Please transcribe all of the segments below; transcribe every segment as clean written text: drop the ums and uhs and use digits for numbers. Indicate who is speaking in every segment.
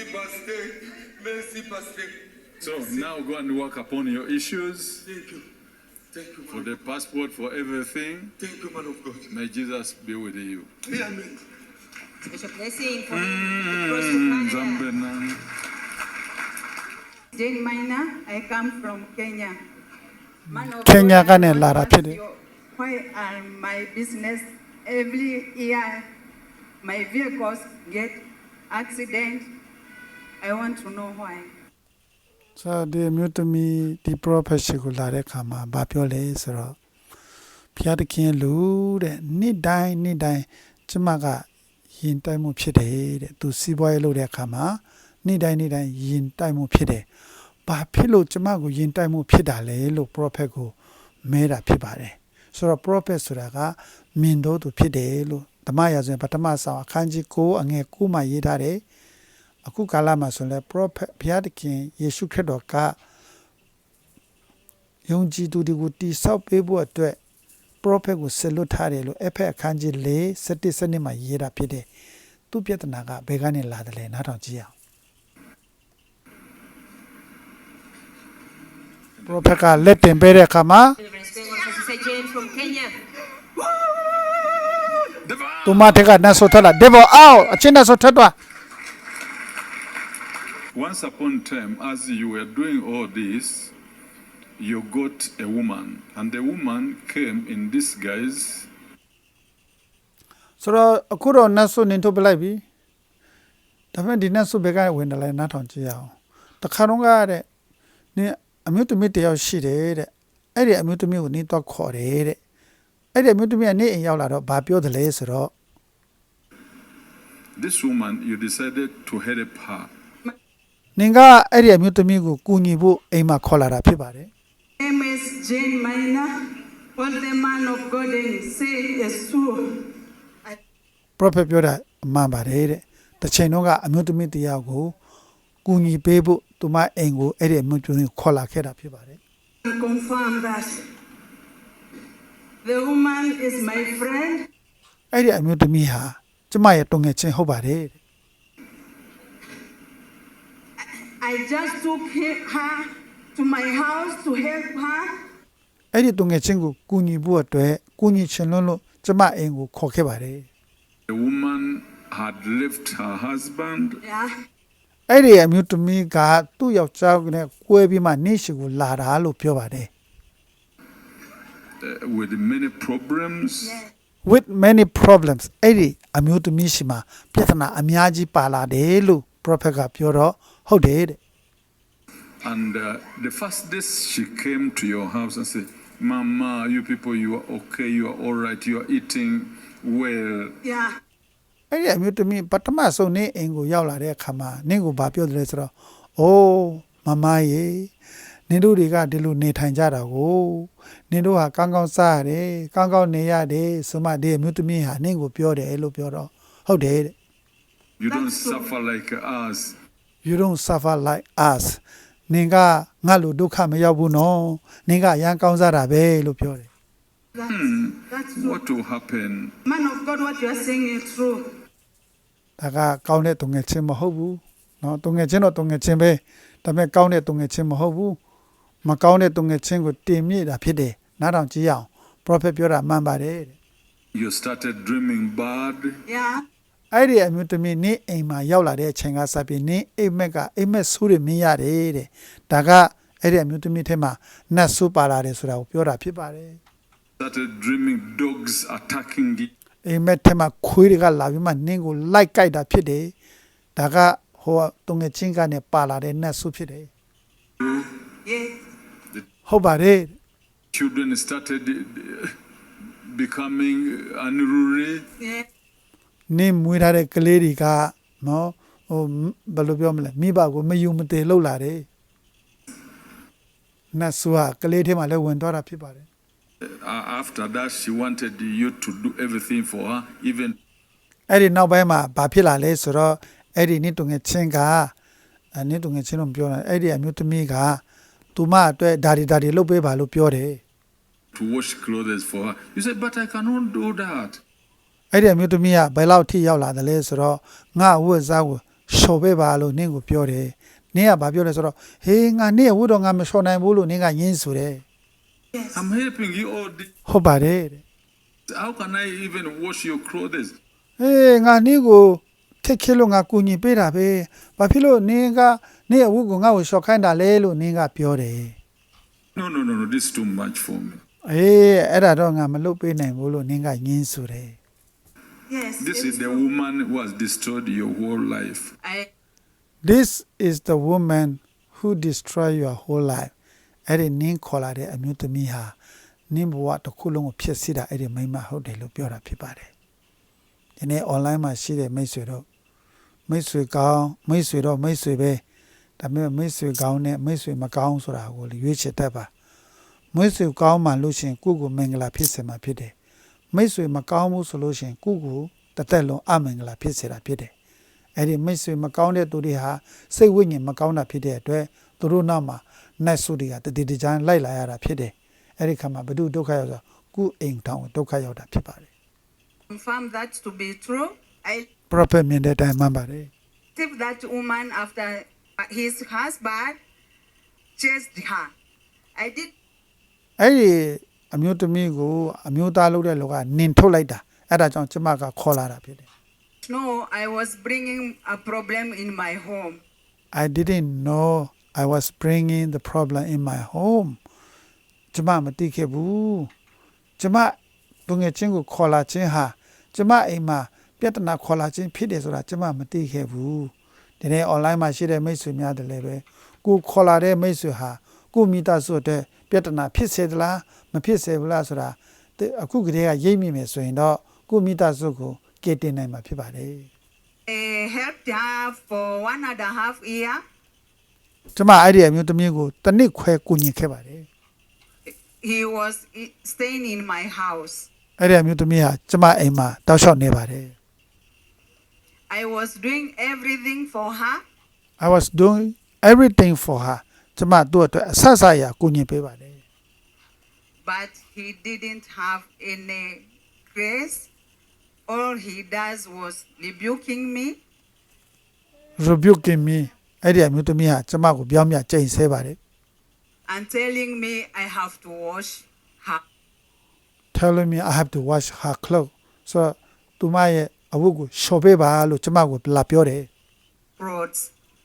Speaker 1: Pastor. Merci, Pastor.
Speaker 2: So now go and work upon your issues
Speaker 1: Thank you. Thank you,
Speaker 2: for
Speaker 1: man.
Speaker 2: the passport, for everything.
Speaker 1: Thank you, man of God.
Speaker 2: May Jesus be with you.
Speaker 1: Amen.
Speaker 3: Bishop blessing for him to cross to Canada.
Speaker 2: Zambena.
Speaker 4: Jane Maina, I come from Kenya. Man of
Speaker 5: Kenya
Speaker 4: God, I
Speaker 5: kane
Speaker 4: want to
Speaker 5: lara
Speaker 4: ask
Speaker 5: phide.
Speaker 4: you, why are my business every year my vehicles get accident? I want to know why.
Speaker 5: So the mutami the prophet ကိုလာတဲ့ခါမှာဘာပြောလဲဆိုတော့ဘုရားသခင်လူတဲ့နေ့တိုင်းကျမကယင်တိုက်မှုဖြစ်တယ်တဲ့သူစီးပွားရေးလုပ်တဲ့အခါမှာနေ့တိုင်းယင်တိုက်မှုဖြစ်တယ်ဘာဖြစ်လို့ကျမကိုယင်တိုက်မှုဖြစ်တာလဲလို့ prophet ကိုမဲတာဖြစ်ပါတယ်ဆိုတော့ prophet ဆိုတာကမြင်တော့သူဖြစ်တယ်လို့ဓမ္မရာဇဝင်ပထမဆောင်အခန်းကြီး9အငယ်9မှာရေးထားတယ်အခုကာလမှာဆိုလဲ prophet ဘုရားသခင်ယေရှုခရစ်တော်ကယုံကြည်သူတွေကိုတိဆောက်ပေးဖို့အတွက် prophet ကိုဆက်လွတ်ထားတယ်လို့အဖက်အခန်းကြီး4 17စနစ်မှာရေးတာဖြစ်တယ်သူပြဿနာကဘယ်ကနေလာတယ်လဲနားထောင်ကြည့်အောင် prophet ကလက်တင်ပေးတဲ့အခါမှာ
Speaker 3: Reverend Spring of Sister Jane from Kenya.
Speaker 5: သူမထက်ကနတ်ဆိုထွက်လာ devil out အချင်းနတ်ဆိုထွက်သွား
Speaker 2: Once upon a time, as you were doing all this, you got a woman, and the woman came in disguise.
Speaker 5: ဆိုတော့အခုတော့နတ်ဆိုနင်ထုတ်ပလိုက်ပြီဒါပေမဲ့ဒီနတ်ဆိုဘက်ကဝင်တယ်လဲနားထောင်ကြည့်ရအောင်တခါတော့ကတဲ့နင်အမျိုးသမီးတယောက်ရှိတယ်တဲ့အဲ့ဒီအမျိုးသမီးကိုနင်တော့ခေါ်တယ်တဲ့အဲ့ဒီအမျိုးသမီးကနေအိမ်ရောက်လာတော့ဘာပြောတယ်လဲဆိုတော့
Speaker 2: This woman, you decided to help her.
Speaker 5: နင်ကအဲ့ဒီအမျိုးသမီးကိုကူညီဖို့အိမ်မှာခေါ်လာတာဖြစ်ပါတယ်
Speaker 4: Name is Jane Maina. What the man of God say is true.
Speaker 5: prophet ပြောတာအမှန်ပါတယ်တဲ့တစ်ချိန်တော့ကအမျိုးသမီးတယောက်ကိုကူညီပေးဖို့သူမအိမ်ကိုအဲ့ဒီအမျိုးသမီးကိုခေါ်လာခဲ့တာဖြစ်ပါတယ်
Speaker 4: I confirm that the woman is my friend.
Speaker 5: အဲ့ဒီအမျိုးသမီးဟာကျမရဲ့တုံငယ်ချင်းဟုတ်ပါတယ်တဲ့
Speaker 4: I just took her to my house to help her.
Speaker 5: အဲ့ဒီတုံငယ်ချင်းကိုကူညီဖို့အတွက်ကူညီချင်လို့ကျမအိမ်ကိုခေါ်ခဲ့ပါတယ်
Speaker 2: The woman had left her husband
Speaker 4: Yeah.
Speaker 5: အဲ့ဒီအမျိုးသမီးကသူ့ယောက်ျားနဲ့ကွဲပြီးမှနေရှိကိုလာတာလို့ပြောပါတယ်
Speaker 2: with many problems.
Speaker 4: Yeah.
Speaker 5: with many problems အဲ့ဒီအမျိုးသမီးရှိမှာပြဿနာအများကြီးပါလာတယ်လို့ prophet ကပြောတော့ဟုတ်တယ်တဲ့
Speaker 2: And the first day she came to your house and said, Mama, you people, you are okay, you are all right, you are eating well.
Speaker 4: Yeah.
Speaker 5: အဲ့ဒီအမျိုးသမီးပထမဆုံးနေအိမ်ကိုရောက်လာတဲ့အခါမှာနင့်ကိုဘာပြောတယ်လဲဆိုတော့အိုးမမရေနင်တို့တွေကဒီလိုနေထိုင်ကြတာကိုနင်တို့ဟာကောင်းကောင်းစားရတယ်ကောင်းကောင်းနေရတယ်ဆိုမှဒီအမျိုးသမီးဟာနင့်ကိုပြောတယ်လို့ပြောတော့ဟုတ်တယ်တဲ့
Speaker 2: You don't
Speaker 4: That's so-
Speaker 2: suffer like us.
Speaker 5: you don't suffer like us နင်ကငါ့လိုဒုက္ခမရောက်ဘူးနော်နင်ကအရန်ကောင်းစားတာပဲလို့ပြောတယ်
Speaker 4: That's true.
Speaker 2: What will happen?
Speaker 4: Man of God, what you are saying is true.
Speaker 5: ဒါကကောင်းတဲ့တုံငယ်ချင်းမဟုတ်ဘူးเนาะတုံငယ်ချင်းတော့တုံငယ်ချင်းပဲဒါပေမဲ့ကောင်းတဲ့တုံငယ်ချင်းမဟုတ်ဘူးမကောင်းတဲ့တုံငယ်ချင်းကိုတင်မြစ်တာဖြစ်တယ်နားထောင်ကြည့်အောင် prophet ပြောတာမှန်ပါတယ်တဲ့
Speaker 2: You started dreaming bad.
Speaker 4: Yeah.
Speaker 5: အဲ့ဒီအမျိုးသမီးနေအိမ်မှာရောက်လာတဲ့အချိန်ကစပြီးနေအိမ်မက်ကအိမ်မက်ဆိုးတွေမင်းရတယ်တဲ့ဒါကအဲ့ဒီအမျိုးသမီးထဲမှာနတ်ဆိုးပါလာတယ်ဆိုတာကိုပြောတာဖြစ်ပါတယ်
Speaker 2: Started dreaming dogs attacking you.
Speaker 5: အိမ်မက်ထဲမှာခွေးတွေကလာပြီးမှနင်းကိုလိုက်ကြိုက်တာဖြစ်တယ်ဒါကဟိုတုံငယ်ချင်းကနေပါလာတဲ့နတ်ဆိုးဖြစ်တယ်
Speaker 4: Yes.
Speaker 5: ဟုတ်ပါတယ်
Speaker 2: Children started becoming unruly.
Speaker 4: Yeah.
Speaker 5: နင်းမွေးထားတဲ့ကလေးတွေကနော်ဟိုဘယ်လိုပြောမလဲမိဘကိုမယူမတည်လှုပ်လာတယ်နတ်ဆိုးကကလေးထဲမှာလည်းဝင်သွားတာဖြစ်ပါတယ်
Speaker 2: After that, she wanted you to do everything for her, even
Speaker 5: အဲ့ဒီနောက်ပိုင်းမှာဘာဖြစ်လာလဲဆိုတော့အဲ့ဒီနေ့တုံငယ်ချင်းကနေ့တုံငယ်ချင်းတို့ပြောတာအဲ့ဒီအမျိုးသမီးကသူမအတွက်ဒါတွေလုပ်ပေးပါလို့ပြောတယ်
Speaker 2: to wash clothes for her. You said, but I cannot do that.
Speaker 5: အဲ့ဒီအမျိုးသမီးကဘယ်လောက်ထိရောက်လာတယ်လဲဆိုတော့ငါဝတ်စားကိုလျှော်ပေးပါလို့နင့်ကိုပြောတယ်နင့်ကဘာပြောလဲဆိုတော့ဟေးငါနင့်ဝတ်တော့ငါမလျှော်နိုင်ဘူးလို့နင့်ကညင်းဆိုတယ်
Speaker 2: I'm helping you all this.
Speaker 5: ဟုတ်ပါတယ်တဲ့
Speaker 2: How can I even wash your clothes?
Speaker 5: ဟေးငါနင့်ကိုထက်ခဲလို့ငါကူညီပေးတာပဲဘာဖြစ်လို့နင့်ကနင့်အဝတ်ကိုငါ့ကိုလျှော်ခိုင်းတာလဲလို့နင့်ကပြောတယ်
Speaker 2: No, this is too much for me.
Speaker 5: အေးအဲ့ဒါတော့ငါမလုပ်ပေးနိုင်ဘူးလို့နင့်ကညင်းဆိုတယ်
Speaker 3: Yes.
Speaker 2: This
Speaker 3: it's
Speaker 2: is the
Speaker 3: true.
Speaker 2: woman who has destroyed your whole life.
Speaker 5: This is the woman who destroy your whole life အဲ့ဒီနင်းခေါ်လာတဲ့အမျိုးသမီးဟာနင်းဘဝတစ်ခုလုံးကိုဖျက်ဆီးတာအဲ့ဒီမိန်းမဟုတ်တယ်လို့ပြောတာဖြစ်ပါတယ်ဒီနေ့ online မှာရှိတဲ့မိတ်ဆွေတို့မိတ်ဆွေကောင်းမိတ်ဆွေတော့မိတ်ဆွေပဲဒါပေမဲ့မိတ်ဆွေကောင်းနဲ့မိတ်ဆွေမကောင်းဆိုတာကိုရွေးချယ်တတ်ပါမိတ်ဆွေကောင်းမှလို့ရှိရင်ကိုယ့်ကိုမင်္ဂလာဖြစ်စေမှာဖြစ်တယ်မိတ်ဆွေမကောင်းဘူးဆိုလို့ရှိရင်ကိုယ့်ကိုတစ်သက်လုံးအမင်္ဂလာဖြစ်စေတာဖြစ်တယ်အဲ့ဒီမိတ်ဆွေမကောင်းတဲ့သူတွေဟာစိတ်ဝိညာဉ်မကောင်းတာဖြစ်တဲ့အတွက်သူတို့နောက်မှာနတ်ဆုတွေကတတိတကြမ်းလိုက်လာရတာဖြစ်တယ်အဲ့ဒီခါမှာဘု து ဒုက္ခရောက်ဆိုကိုယ့်အိမ်ထောင်ဒုက္ခရောက်တာဖြစ်ပါတယ်
Speaker 4: Confirm that to be true. I
Speaker 5: prophet မြင်တဲ့အတိုင်းမှန်ပါတယ်
Speaker 4: received that woman after his husband chased her. I did
Speaker 5: အဲ့ဒီအမျိုးသမီးကိုအမျိုးသားလုပ်တဲ့လူကနင်ထုတ်လိုက်တာအဲ့ဒါကြောင့်ကျမကခေါ်လာတာဖြစ်တယ်
Speaker 4: know I was bringing a problem in my home.
Speaker 5: I didn't know I was bringing the problem in my home ကျမမသိခဲ့ဘူးကျမသူငယ်ချင်းကိုခေါ်လာခြင်းဟာကျမအိမ်မှာပြဿနာခေါ်လာခြင်းဖြစ်တယ်ဆိုတာကျမမသိခဲ့ဘူးဒီနေ့ online မှာရှိတဲ့မိတ်ဆွေများတယ်လည်းပဲကိုခေါ်လာတဲ့မိတ်ဆွေဟာကိုမိသားစုအတွက်ပြဿနာဖြစ်စေသလားမဖြစ်စေဘူးလားဆိုတာအခုကတည်းကရိပ်မိမယ်ဆိုရင်တော့ကိုမိသားစုကိုကယ်တင်နိုင်မှာဖြစ်ပါတယ်
Speaker 4: I helped her for 1.5 years.
Speaker 5: ကျမအဲ့ဒီအမျိုးသမီးကိုတစ်နှစ်ခွဲကူညီခဲ့ပါတယ်
Speaker 4: He was staying in my house.
Speaker 5: အဲ့ဒီအမျိုးသမီးဟာကျမအိမ်မှာတောက်လျှောက်နေပါတယ်
Speaker 4: I was doing everything for her.
Speaker 5: I was doing everything for her ကျမသူ့အတွက်အဆအဆအရာကူညီပေးပါတယ်
Speaker 4: But he didn't have any grace. All he does was rebuking me.
Speaker 5: rebuking me အဲ့ဒီအမျိုးသမီးဟာကျမကိုပြောင်းပြကြိမ်ဆဲပါတယ်
Speaker 4: And telling me I have to wash her
Speaker 5: telling me I have to wash her clothes so သူမရဲ့အဝတ်ကိုလျှော်ပေးပါလို့ကျမကိုလာပြောတယ်
Speaker 4: clothes.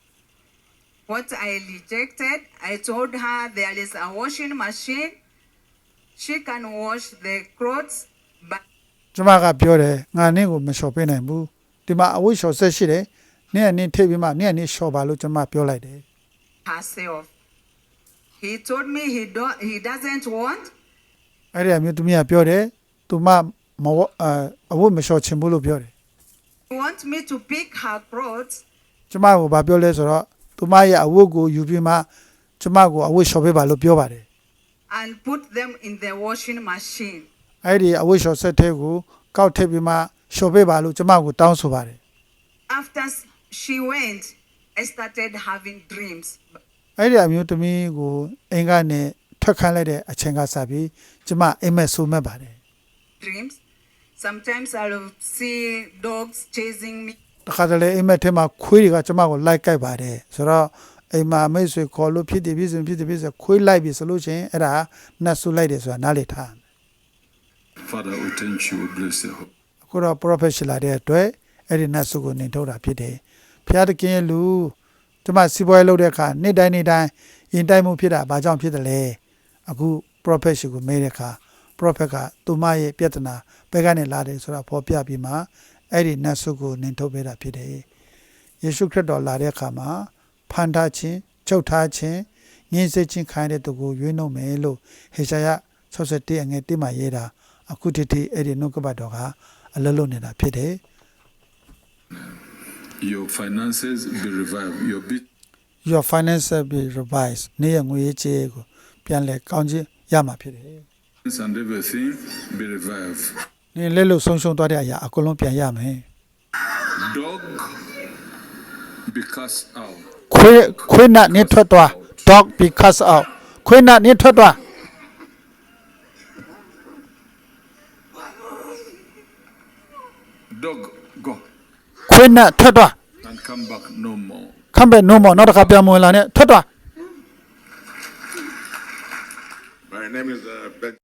Speaker 4: What I rejected, I told her there is a washing machine. She can wash the clothes, but
Speaker 5: ကျမကပြောတယ်ငါနင့်ကိုမလျှော်ပေးနိုင်ဘူးဒီမှာအဝတ်လျှော်ဆက်ရှိတယ်နင့်ကနင့်ထိပ်ပြီးမှနင့်ကနင့်လျှော်ပါလို့ကျမပြောလိုက်တယ်
Speaker 4: herself. He told me he doesn't want.
Speaker 5: အဲ့ဒီအမျိုးသမီးကပြောတယ်သူမမဝအဝတ်မလျှော်ချင်ဘူးလို့ပြောတယ်
Speaker 4: He wants me to pick her clothes
Speaker 5: ကျမကိုဘာပြောလဲဆိုတော့သူမရဲ့အဝတ်ကိုယူပြီးမှကျမကိုအဝတ်လျှော်ပေးပါလို့ပြောပါတယ်
Speaker 4: and put them in the washing machine.
Speaker 5: အဲ့ဒီအဝတ်လျှော်ဆက်တဲ့ကိုကောက်ထည့်ပြီးမှလျှော်ပေးပါလို့ကျမကိုတောင်းဆိုပါတယ်
Speaker 4: After she went, I started having dreams.
Speaker 5: အဲ့ဒီအမျိုးသမီးကိုအိမ်ကနေထွက်ခိုင်းလိုက်တဲ့အချိန်ကစပြီးကျမအိမ်မက်ဆိုးမဲ့ပါတယ်
Speaker 4: Dreams. Sometimes I'll see dogs chasing me.
Speaker 5: တခါတလေအိမ်မက်ထဲမှာခွေးတွေကကျမကိုလိုက်ကြိုက်ပါတယ်ဆိုတော့အိမ်မှာမိတ်ဆွေခေါ်လို့ဖြစ်တယ်ဖြစ်စေခွေးလိုက်ပြီဆိုလို့ချင်းအဲ့ဒါနတ်ဆူလိုက်တယ်ဆိုတာနားလေထား
Speaker 2: Father, we thank you, we bless you.
Speaker 5: အခုတော့ professional တဲ့အတွက်အဲ့ဒီနတ်ဆူကိုနေထုတ်တာဖြစ်တယ်ဖျားတကင်းလူကျမစီးပွားရေးလုပ်တဲ့အခါနေ့တိုင်းရင်တိုင်းမှုဖြစ်တာဘာကြောင့်ဖြစ်တယ်လဲအခု professional ကိုမေးတဲ့အခါ prophet ကသူမရဲ့ပြဿနာဘယ်ကနေလာတယ်ဆိုတာဖော်ပြပြီးမှအဲ့ဒီနတ်ဆုကိုနင်ထုတ်ပေးတာဖြစ်တယ်ယေရှုခရစ်တော်လာတဲ့အခါမှာဖန်ထားခြင်းချုပ်ထားခြင်းငြင်းဆဲခြင်းခံရတဲ့သူကိုရွေးနှုတ်မယ်လို့ဟေရှာယ61အငယ်1မှာရေးတာအခုတည်းအဲ့ဒီနှုတ်ကပတ်တော်ကအလလုံးနေတာဖြစ်တယ်
Speaker 2: Your finances be revived.
Speaker 5: your finances be revised နေရငွေရေးကြေးကိုပြန်လဲကောင်းခြင်းရမှာဖြစ်တယ်
Speaker 2: business and everything be revived.
Speaker 5: နေလက်လို့ဆုံးရှုံးသွားတဲ့အရာအကုန်လုံးပြန်ရမယ်
Speaker 2: Dog be cast out.
Speaker 5: ခွေးနတ်နေထွက်သွား dog be cast out ခွေးနတ်နေထွက်သွား
Speaker 2: Dog, go.
Speaker 5: ခွေးနတ်ထွက်သွား
Speaker 2: Thank come back no more.
Speaker 5: ခမ်းပဲ no more နောက်တစ်ခါပြန်မဝင်လာနဲ့ထွက်သွား
Speaker 1: My name is Ben.